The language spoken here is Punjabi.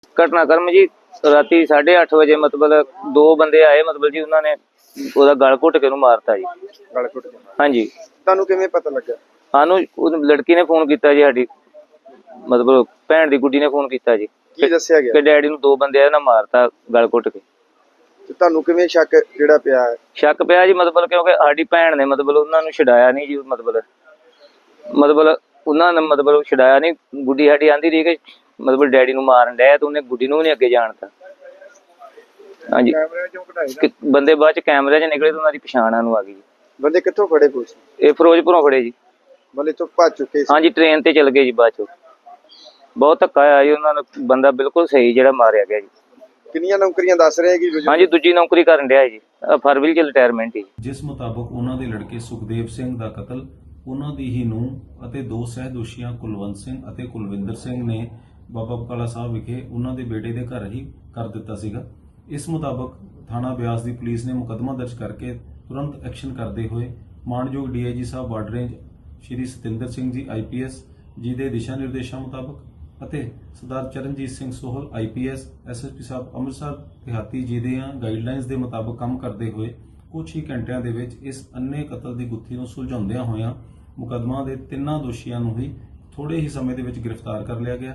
ਘਟਨਾਕ੍ਰਮ ਜੀ ਰਾਤੀ 8:30 ਵਜੇ ਮਤਲਬ ਦੋ ਬੰਦੇ ਆਏ ਮਤਲਬ ਜੀ ਉਹਨਾਂ ਨੇ ਉਹਦਾ ਗਲ ਘੁੱਟ ਕੇ ਉਹਨੂੰ ਮਾਰਤਾ ਜੀ। ਗਲ ਘੁੱਟ ਕੇ? ਹਾਂਜੀ। ਤੁਹਾਨੂੰ ਕਿਵੇਂ ਪਤਾ ਲੱਗਾ? ਸਾਨੂੰ ਉਹ ਲੜਕੀ ਨੇ ਫੋਨ ਕੀਤਾ ਜੀ, ਸਾਡੀ ਮਤਲਬ ਭੈਣ ਦੀ ਗੁੱਡੀ ਨੇ ਫੋਨ ਕੀਤਾ ਜੀ ਕੀ ਦੱਸਿਆ ਗਿਆ ਕਿ ਡੈਡੀ ਨੂੰ ਦੋ ਬੰਦੇ ਆ ਨਾ ਮਾਰਤਾ ਗਲ ਘੁੱਟ ਕੇ। ਤੇ ਤੁਹਾਨੂੰ ਕਿਵੇਂ ਸ਼ੱਕ ਜਿਹੜਾ ਪਿਆ ਹੈ? ਸ਼ੱਕ ਪਿਆ ਜੀ ਮਤਲਬ ਕਿਉਂਕਿ ਸਾਡੀ ਭੈਣ ਨੇ ਮਤਲਬ ਉਹਨਾਂ ਨੂੰ ਛਡਾਇਆ ਨਹੀਂ ਜੀ। ਮਤਲਬ ਉਹਨਾਂ ਨੇ ਮਤਲਬ ਛਡਾਇਆ ਨਹੀਂ। ਗੁੱਡੀ ਸਾਡੀ ਆਂਦੀ ਰਹੀ ਕਿ ਮਤਲਬ ਡੈਡੀ ਨੂੰ ਮਾਰਨ ਡਿਆ ਤੇ ਉਹਨੇ ਗੁੱਡੀ ਨੂੰ ਵੀ ਨਹੀਂ ਅੱਗੇ ਜਾਣ ਦਿੱਤਾ। ਹਾਂਜੀ। ਕੈਮਰੇ ਚੋਂ ਕਢਾਈ ਨਾ? ਬੰਦੇ ਬਾਅਦ ਚ ਕੈਮਰੇ 'ਚ ਨਿਕਲੇ ਤੇ ਉਹਨਾਂ ਦੀ ਪਛਾਣ ਸਾਨੂੰ ਆ ਗਈ ਜੀ। ਬੰਦੇ ਕਿੱਥੋਂ ਫੜੇ ਪੁਲਿਸ? ਇਹ ਫਿਰੋਜ਼ਪੁਰੋਂ ਫੜੇ ਜੀ। ਬੰਦੇ ਤੋਂ ਭੱਜ ਚੁੱਕੇ ਸੀ? ਹਾਂਜੀ, ਟ੍ਰੇਨ ਤੇ ਚਲ ਗਏ ਜੀ ਬਾਅਦ ਚੋਂ। ਬਹੁਤ ਧੱਕਾ ਆਇਆ ਜੀ ਉਹਨਾਂ ਨੂੰ। ਬੰਦਾ ਬਿਲਕੁਲ ਸਹੀ ਜਿਹੜਾ ਮਾਰਿਆ ਗਿਆ ਜੀ। ਕਿੰਨੀਆਂ ਨੌਕਰੀਆਂ ਦੱਸ ਰਹੇ ਕਿ ਹਾਂਜੀ, ਦੂਜੀ ਨੌਕਰੀ ਕਰਨ ਡਿਆ ਜੀ, ਫਰਵਰੀ ਚ ਰਿਟਾਇਰਮੈਂਟ ਹੀ। ਜਿਸ ਮੁਤਾਬਕ ਉਹਨਾਂ ਦੇ ਲੜਕੇ ਸੁਖਦੇਵ ਸਿੰਘ ਦਾ ਕਤਲ ਉਹਨਾਂ ਦੀ ਹੀ ਨੂੰਹ ਅਤੇ ਦੋ ਸਹਿਦੋਸ਼ੀਆਂ ਕੁਲਵੰਤ ਸਿੰਘ ਅਤੇ ਕੁਲਵਿੰਦਰ ਸਿੰਘ ਨੇ ਬਾਬਾ ਬਕਾਲਾ ਸਾਹਿਬ ਵਿਖੇ ਉਹਨਾਂ ਦੇ ਬੇਟੇ ਦੇ ਘਰ ਹੀ ਕਰ ਦਿੱਤਾ ਸੀਗਾ। ਇਸ ਮੁਤਾਬਕ ਥਾਣਾ ਬਿਆਸ ਦੀ ਪੁਲਿਸ ਨੇ ਮੁਕੱਦਮਾ ਦਰਜ ਕਰਕੇ ਤੁਰੰਤ ਐਕਸ਼ਨ ਕਰਦੇ ਹੋਏ ਮਾਨਯੋਗ ਡੀਆਈਜੀ ਸਾਹਿਬ border range Shri Satinder Singh ji IPS ਜੀ ਦੇ ਦਿਸ਼ਾ ਨਿਰਦੇਸ਼ਾਂ ਮੁਤਾਬਕ ਅਤੇ ਸਰਦਾਰ ਚਰਨਜੀਤ ਸਿੰਘ ਸੋਹਲ IPS SSP ਸਾਹਿਬ ਅੰਮ੍ਰਿਤਸਰ ਦਿਹਾਤੀ ਜੀ ਦੀਆਂ ਗਾਈਡਲਾਈਨਸ ਦੇ ਮੁਤਾਬਕ ਕੰਮ ਕਰਦੇ ਹੋਏ ਕੁਝ ਹੀ ਘੰਟਿਆਂ ਦੇ ਵਿੱਚ ਇਸ ਅੰਨੇ ਕਤਲ ਦੀ ਗੁੱਥੀ ਨੂੰ ਸੁਲਝਾਉਂਦਿਆਂ ਹੋਇਆਂ ਮੁਕੱਦਮਾ ਦੇ ਤਿੰਨਾਂ ਦੋਸ਼ੀਆਂ ਨੂੰ ਹੀ ਥੋੜੇ ਹੀ ਸਮੇਂ ਦੇ ਵਿੱਚ ਗ੍ਰਿਫਤਾਰ ਕਰ ਲਿਆ ਗਿਆ।